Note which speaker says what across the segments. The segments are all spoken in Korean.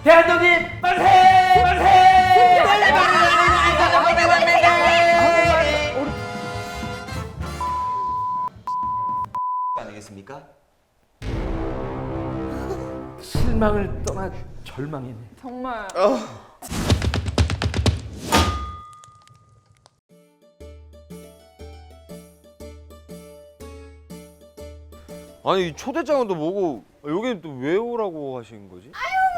Speaker 1: 대한독립 만세! 만세!
Speaker 2: 아니겠습니까?
Speaker 1: 실망을 떠나 절망이네.
Speaker 3: 정말.
Speaker 2: 아니 초대장은 또 뭐고 여기는 또 왜 오라고 하신 거지?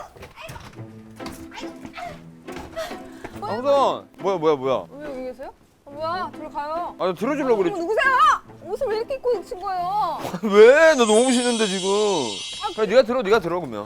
Speaker 2: 아무튼 뭐야?
Speaker 3: 왜 여기 계세요? 뭐야? 들어가요.
Speaker 2: 아니 들어주려고 그랬지.
Speaker 3: 누구세요? 옷을 왜 이렇게 입고 오신 거예요?
Speaker 2: 왜? 너 너무 싫은데 지금. 그래 네가 들어 그러면.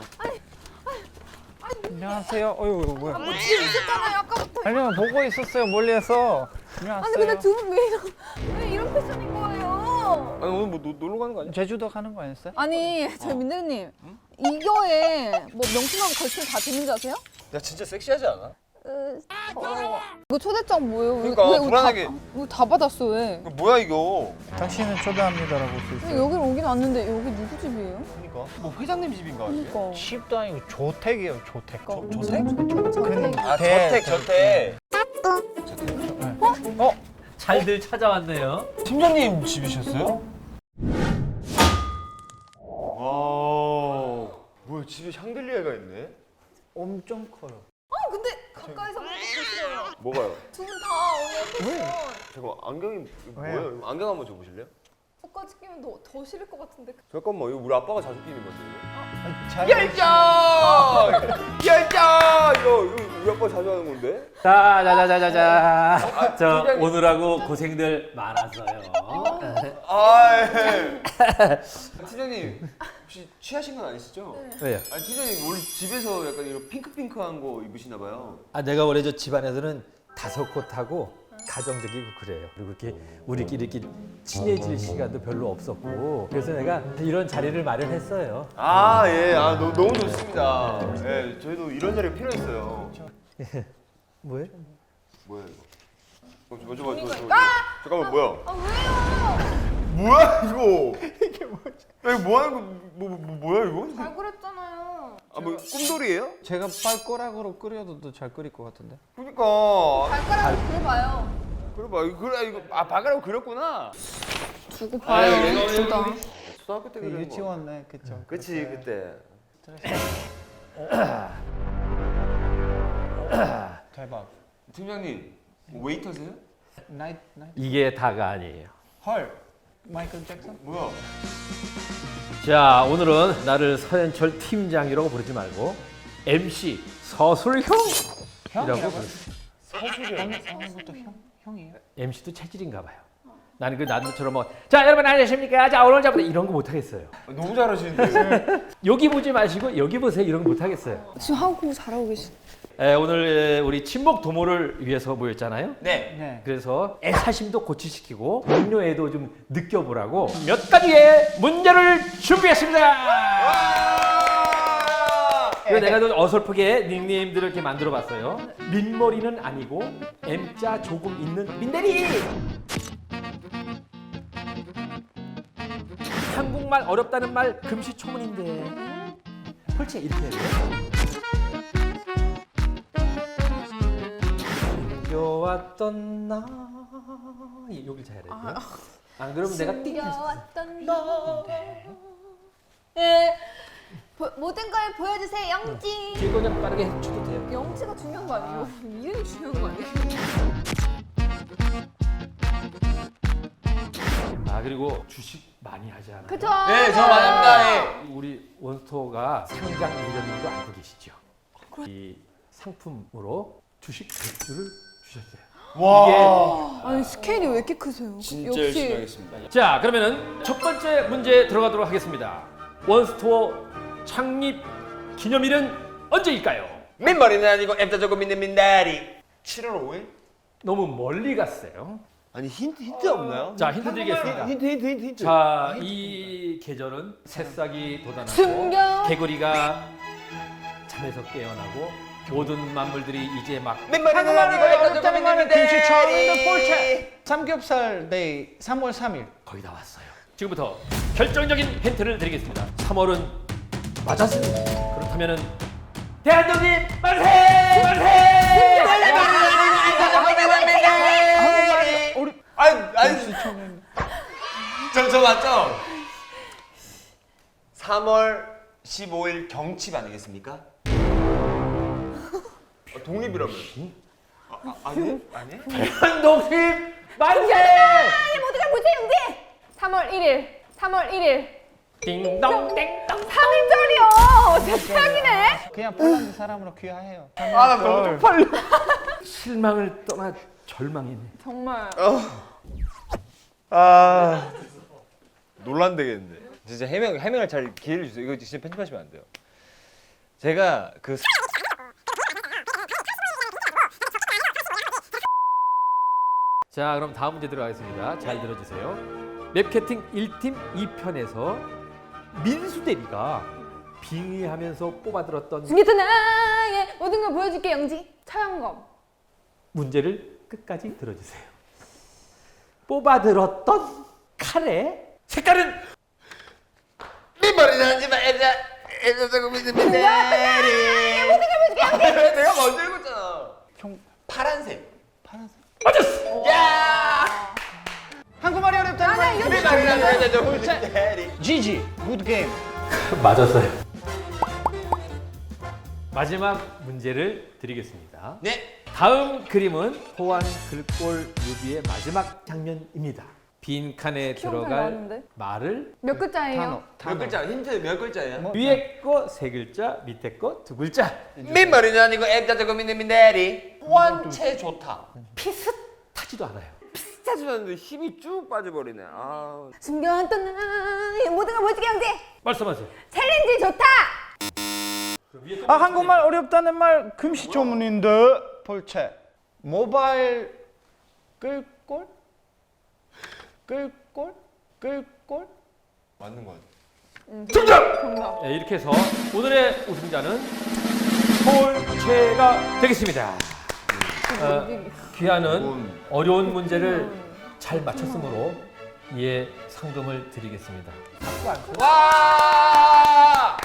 Speaker 4: 안녕하세요. 어휴 뭐야?
Speaker 3: 뭐 뒤에 있었잖아요 아까부터.
Speaker 4: 아니요 보고 있었어요 멀리에서. 안녕하세요.
Speaker 3: 아니 근데 두 분 왜 이런 패션인 거예요?
Speaker 2: 아니 오늘 뭐 놀러 가는 거 아니야?
Speaker 4: 제주도 가는 거 아니었어요?
Speaker 3: 아니 저희 민대리님 이거에 뭐 명품하고 걸치면 다 되는지 아세요?
Speaker 2: 야 진짜 섹시하지 않아?
Speaker 3: 이거 초대장 뭐예요?
Speaker 2: 그러니까,
Speaker 3: 왜
Speaker 2: 불안하게.
Speaker 3: 이거 다 받았어 왜?
Speaker 2: 이거 뭐야 이거?
Speaker 4: 당신은 초대합니다라고 써
Speaker 3: 왜
Speaker 4: 있어요.
Speaker 3: 여기를 오긴 왔는데 여기 누구 집이에요?
Speaker 2: 그러니까 뭐 회장님 집인가?
Speaker 3: 그러니까.
Speaker 4: 집도 아니고 조택이에요. 조택.
Speaker 2: 조택?
Speaker 3: 저택.
Speaker 2: 아 저택.
Speaker 1: 잘들 찾아왔네요.
Speaker 2: 팀장님 집이셨어요? 와 뭐야 집에 샹들리에가 있네?
Speaker 4: 엄청 커요.
Speaker 3: 근데 가까이서 보니까 싫어요.
Speaker 2: 뭐가요?
Speaker 3: 두 분 다 오늘 패션
Speaker 2: 잠깐만 안경이
Speaker 4: 왜요?
Speaker 2: 뭐예요? 안경 한번 줘보실래요?
Speaker 3: 옷까지 끼면 더 싫을 것 같은데.
Speaker 2: 잠깐만 이거 우리 아빠가 자주 끼는 건데
Speaker 4: 잘
Speaker 2: 열정! 이거 우리 아빠 자주 하는 건데?
Speaker 1: 자자자자자자. 저
Speaker 2: 팀장님.
Speaker 1: 오늘하고 고생들 많았어요.
Speaker 2: 아 예. 팀장님 혹시 취하신 건 아니시죠?
Speaker 1: 왜요?
Speaker 2: 아니 팀장님 원래 집에서 약간 이런 핑크핑크한 거 입으시나 봐요.
Speaker 1: 아 내가 원래 저 집안에서는 다섯 곳하고 가정적이고 그래요. 그리고 이렇게 우리끼리 이렇게 친해질 시간도 별로 없었고 그래서 내가 이런 자리를 마련했어요.
Speaker 2: 아 예, 너무 좋습니다. 예, 저희도 이런 자리가 필요했어요.
Speaker 1: 뭐예요?
Speaker 2: 뭐야 이거? 저. 잠깐만 뭐야?
Speaker 3: 아 왜요?
Speaker 2: 뭐야 이거? 이게 뭐지? 이거 뭐 하는 거? 뭐야 이거?
Speaker 3: 잘 그랬잖아요.
Speaker 2: 아 뭐 꿈돌이에요?
Speaker 4: 제가 발가락으로 끓여도 잘 끓일 것 같은데.
Speaker 2: 그러니까
Speaker 3: 발가락으로 그려봐요.
Speaker 2: 그래 이거 발가락 그렸구나.
Speaker 3: 두고 봐요. 둘 다.
Speaker 2: 초등학교 때 그린 거.
Speaker 4: 유치원 그쵸.
Speaker 2: 그치 그때.
Speaker 4: 대박.
Speaker 2: 팀장님 웨이터세요?
Speaker 4: 나이트.
Speaker 1: 이게 다가 아니에요.
Speaker 4: 헐. 마이클 잭슨?
Speaker 2: 뭐야?
Speaker 1: 자 오늘은 나를 서현철 팀장이라고 부르지 말고 MC 서술형이라고 부르세요.
Speaker 4: 어느부터 형이에요?
Speaker 1: MC도 체질인가 봐요. 나는 그 나처럼 자 여러분 안녕하십니까? 자 오늘부터 이런 거 못 하겠어요.
Speaker 2: 너무 잘하시는데요.
Speaker 1: 여기 보지 마시고 여기 보세요. 이런 거 못 하겠어요.
Speaker 3: 지금 하고 잘하고 계시.
Speaker 1: 오늘 우리 친목 도모를 위해서 모였잖아요.
Speaker 2: 네.
Speaker 4: 네.
Speaker 1: 그래서 애사심도 고취시키고 동료애도 좀 느껴보라고 몇 가지의 문제를 준비했습니다. 그래서 내가 좀 어설프게 닉네임들을 이렇게 만들어봤어요. 민머리는 아니고 M자 조금 있는 민대리. 한국말 어렵다는 말 금시초문인데. 그렇지 이렇게 해야 돼요. 숨겨왔던 나 여기 잘해야 돼. 안 그러면 내가 띵.
Speaker 3: 숨겨왔던 너. 예. 모든 걸 보여주세요 영지.
Speaker 1: 뒤에 거 그냥 빠르게 해줘도 돼요.
Speaker 3: 영지가 중요한 거 아니에요? 이름이 중요한 거 아니에요?
Speaker 1: 아 그리고 주식 많이 하지 않아요?
Speaker 3: 그쵸?
Speaker 2: 네, 저 많이 합니다. 예.
Speaker 1: 우리 원스토어가 상장 1년인도 알고 계시죠? 이 상품으로 주식 100주를 주셨어요.
Speaker 2: 와.
Speaker 3: 아니 스케일이 왜 이렇게 크세요?
Speaker 2: 진짜 열심히 하겠습니다.
Speaker 1: 자 그러면은 첫 번째 문제 들어가도록 하겠습니다. 원스토어 창립 기념일은 언제일까요?
Speaker 2: 민머리는 아니고 M자 조금 있는 민다리. 7월 5일?
Speaker 1: 너무 멀리 갔어요.
Speaker 2: 아니 힌트 없나요?
Speaker 1: 자 힌트 드리겠습니다.
Speaker 2: 힌트.
Speaker 1: 자 이 계절은 새싹이 돋아나고
Speaker 3: 숨겨.
Speaker 1: 개구리가 잠에서 깨어나고 모든 만물들이 이제 막
Speaker 2: 민머리는 아니고 M자 조금 있는 민다리.
Speaker 4: 김치처럼 폴체. 삼겹살 데이 3월 3일.
Speaker 1: 거의 다 왔어요. 지금부터 결정적인 힌트를 드리겠습니다. 3월은 맞았습니다. 그렇다면은 대한독립 만세! 만세!
Speaker 2: 저 맞죠? 3월 15일 경칩 아니겠습니까? 독립이라면? 아니?
Speaker 1: 대한독립 만세!
Speaker 3: 모두가 뭐지, 영지? 3월 1일. 3월 1일.
Speaker 1: 띵동 땡동.
Speaker 3: 3일절이요. 제 최악이네.
Speaker 4: 그냥 폴란드 사람으로 귀화해요.
Speaker 2: 나 너무 쪽팔려.
Speaker 1: 실망을 떠나 절망이네.
Speaker 3: 정말.
Speaker 2: 논란되겠는데. 진짜 해명을 잘 기회를 주세요. 이거 진짜 편집하시면 안 돼요. 제가 그
Speaker 1: 자, 그럼 다음 문제 들어가겠습니다. 잘 들어주세요. 맵캐팅 1팀 2편에서 민수 대리가 빙의하면서 뽑아들었던
Speaker 3: 중계타 나의 모든 걸 보여줄게, 영지. 차영검.
Speaker 1: 문제를 끝까지 들어주세요. 뽑아들었던 칼의 색깔은
Speaker 2: 민머리 나지마 애자 저거 믿으면 돼. 내가 먼저 읽었잖아.
Speaker 4: 형
Speaker 2: 파란색.
Speaker 4: 파란색.
Speaker 1: 맞았어.
Speaker 2: 야!
Speaker 4: 한국말이 어렵다는 말.
Speaker 2: 민머리 나지마 저거 믿으면 돼.
Speaker 4: GG. 굿 게임.
Speaker 1: 맞았어요. 마지막 문제를 드리겠습니다.
Speaker 2: 네.
Speaker 1: 다음 그림은 호환 글꼴 뮤비의 마지막 장면입니다. 빈 칸에
Speaker 3: 키워서
Speaker 1: 들어갈
Speaker 3: 나왔는데?
Speaker 1: 말을
Speaker 3: 몇 글자예요?
Speaker 2: 몇 글자? 힌트 몇 글자예요?
Speaker 4: 뭐?
Speaker 1: 위에 거 세 글자, 밑에 거 두 글자.
Speaker 2: 민머리는 아니고 애자 저거 믿으면 돼. 원체 좋다.
Speaker 1: 비슷하지도 않아요.
Speaker 2: 짜주는데 힘이 쭉 빠져버리네.
Speaker 3: 숨겨왔던 나의 모든 걸 보여줄게, 영지.
Speaker 1: 말씀하세요.
Speaker 3: 챌린지 좋다.
Speaker 4: 한국말 어렵다는 말 금시초문인데. 볼체. 모바일 끌골? 끌골? 끌골?
Speaker 2: 맞는 거 같아.
Speaker 3: 정답.
Speaker 1: 네, 이렇게 해서 오늘의 우승자는 폴체가 되겠습니다. 귀하는 어려운 문제를 잘 맞췄으므로 이에 상금을 드리겠습니다.
Speaker 2: 와!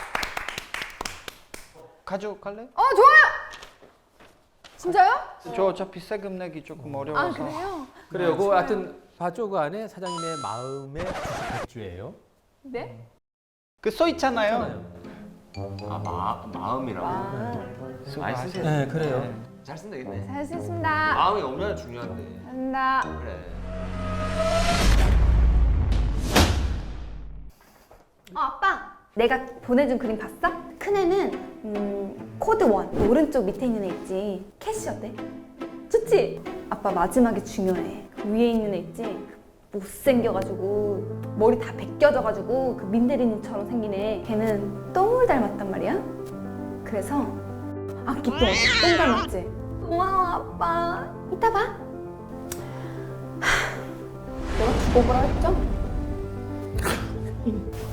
Speaker 4: 가져갈래?
Speaker 3: 좋아요. 진짜요?
Speaker 4: 저 어차피 세금 내기 조금 어려워서.
Speaker 3: 아, 그래요?
Speaker 1: 그래요. 그 하여튼 봐줘 그 안에 사장님의 마음의 98주예요.
Speaker 3: 네?
Speaker 4: 그 써 있잖아요.
Speaker 2: 마음이라고. 많이 쓰세요.
Speaker 1: 네, 그래요.
Speaker 2: 잘 쓴다 근데.
Speaker 3: 잘 쓰겠습니다.
Speaker 2: 마음이 얼마나 중요한데.
Speaker 3: 한다.
Speaker 2: 그래.
Speaker 3: 아빠. 내가 보내준 그림 봤어? 큰 애는 코드 1 오른쪽 밑에 있는 애 있지. 캐시 어때? 좋지? 아빠 마지막에 중요해. 그 위에 있는 애 있지? 못생겨가지고 머리 다 벗겨져가지고 그 민대리님처럼 생긴 애. 걔는 똥을 닮았단 말이야. 그래서 악기똥 똥 닮았지? 고마워 아빠. 이따 봐. 내가 두고 보라 했죠?